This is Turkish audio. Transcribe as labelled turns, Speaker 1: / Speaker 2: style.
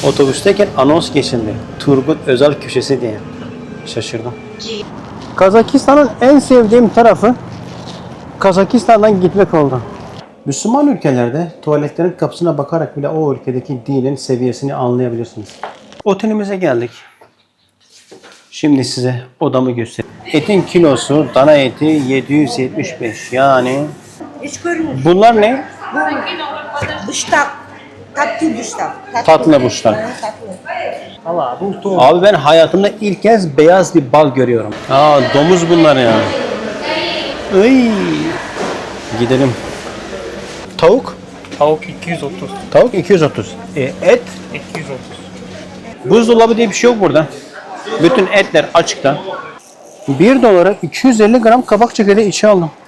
Speaker 1: Otobüsteyken anons geçindi. Turgut Özal köşesi diye. Şaşırdım. Kazakistan'ın en sevdiğim tarafı Kazakistan'dan gitmek oldu. Müslüman ülkelerde tuvaletlerin kapısına bakarak bile o ülkedeki dinin seviyesini anlayabilirsiniz. Otelimize geldik. Şimdi size odamı göstereyim. Etin kilosu, dana eti 775. Yani
Speaker 2: Hiç görmüyor.
Speaker 1: bunlar ne?
Speaker 2: Bıştak. Tatlı bıştak.
Speaker 1: Tatlı buşlar.
Speaker 2: Tatlı.
Speaker 1: Abi ben hayatımda ilk kez beyaz bir bal görüyorum. Aa, domuz bunlar ya. Iy. Gidelim. Tavuk?
Speaker 3: Tavuk 230.
Speaker 1: Tavuk 230. Et?
Speaker 3: 230.
Speaker 1: Buzdolabı diye bir şey yok burada. Bütün etler açıkta. 1 dolara 250 gram kabak çekirdeği içi aldım.